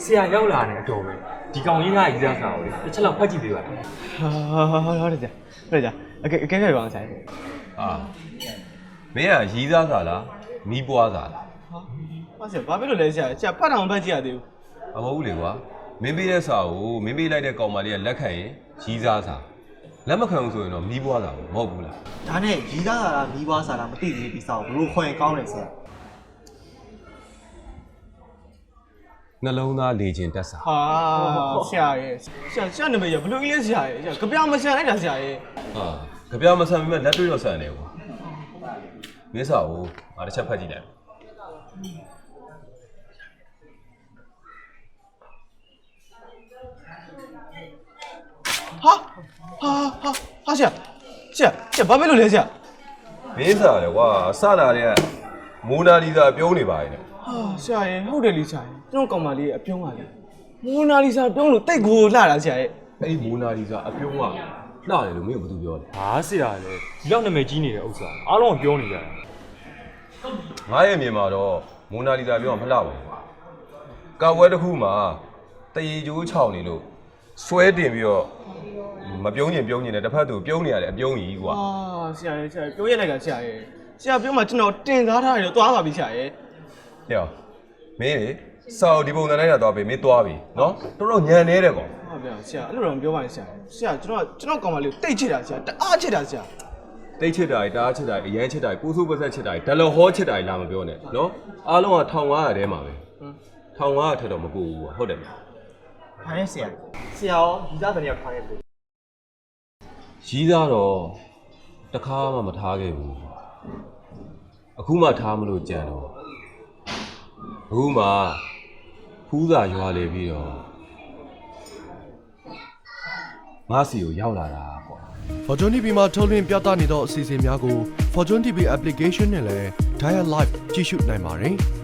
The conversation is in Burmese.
ဆရာရောက်လာတဲ့အတော်ပဲဒီကောင်ကြီးကရေးသားစာကိုလေတစ်ချက်လောက်ဖတ်ကြည့်ပေးပါလားဟုတ်တယ်ကြာအကဲခဲ့ပါအောင်ဆိုင်ဟာမင်းကရီးသားစာလားမီးပွားစာလားဟာဆရာဘာဖြစ်လို့လဲဆရာဖတ်အောင်ဖတ်ကြည့်ရသေးဘူးမဟုတ်ဘူးလေကွာမင်းပေးတဲ့စာကိုမင်းပေးလိုက်တဲ့ကောင်မလေးကလက်ခံရင်ရီးသားစာလက်မခံဘူးဆိုရင်တော့မီးပွားစာမဟုတ်ဘူးလားဒါနဲ့ရီးသားစာလားမီးပွားစာလားမသိသေးဒီစာကိုဘလို့ခွင့်ကောင်းတယ်ဆရာနှလုံးသားလေခြင်းတက်စာဟာဆရာရဲ့ဆရာနာမည်ရဘလို့ကြီးလဲဆရာရဲ့ကြပြောင်မဆန်လိုက်တာဆရာရဲ့ဟာကြပြမဆန်ပေမဲ့လက်တွေ့တော့ဆန်တယ်ကွာမင်းစာကိုငါတစ်ချက်ဖတ်ကြည့်လိုက်ဟာဆရာဘာဖြစ်လို့လဲဆရာမင်းစာလေကွာစတာတွေကမိုနာလီဇာပြုံးနေပါရဲ့ဟာဆရာရဲ့ဟုတ်တယ်လေဆရာရဲ့ကျွန်တော်ကောင်မလေးအပြုံးပါလေမိုနာလီဇာပြုံးလို့တိတ်ကိုလှတာဆရာရဲ့အဲ့ဒီမိုနာလီဇာအပြုံးကလှတယ်လို့မင်းကဘာသူပြောလဲဟာဆရာလေဒီလောက်နာမည်ကြီးနေတဲ့ဥစ္စာအားလုံးကပြောနေကြတယ်ငါရဲ့မြင်မှာတော့မိုနာလီဇာပြောမှမလှပါဘူးကာဝဲတစ်ခုမှာတရေကျိုးချောင်းနေလို့ဆွဲတင်ပြီးတော့မပြုံးကျင်နဲ့တစ်ဖက်သူပြုံးနေရတယ်အပြုံးကြီးကွာဟာဆရာရဲ့ပြောရလိုက်တာဆရာရဲ့ဆရာပြောမှကျွန်တော်တင်စားထားတယ်တော့သွားပါပြီဆရာရဲ့ဟဲ့မင်းလေစာအုပ်ဒီပုံစံနဲ့တော့ပြီမင်းသွားပြီနော်တော်တော်ညံနေတယ်ကွာဟုတ်ဗျာဆရာအဲ့လိုတော့မပြောပါနဲ့ဆရာကျွန်တော်ကောင်မလေးကိုတိတ်ချစ်တာဆရာတအားချစ်တာဆရာတိတ်ချစ်တာတအားချစ်တာအရန်ချစ်တာပူဆိုးပဆက်ချစ်တာဒလဟောချစ်တာလာမပြောနဲ့နော်အားလုံးက1500ထဲမှာပဲ1500ထက်တော့မပို့ဘူးဟုတ်တယ်မလားဟာနဲ့ဆရာရောရီးသားတဲ့နေရာထားခဲ့ပြီရီးသားတော့တခါမှမထားခဲ့ဘူးအခုမှထားမလို့ကြံတော့အခုမှဖူးစာရွာလေပြီးတော့ငါစီကိုရောက်လာတာပေါ့ Fortune TV မှာထုတ်လွှင့်ပြသနေသောအစီအစဉ်များကို Fortune TV application နဲ့လည်း Dial Live ကြည့်ရှုနိုင်ပါတယ်။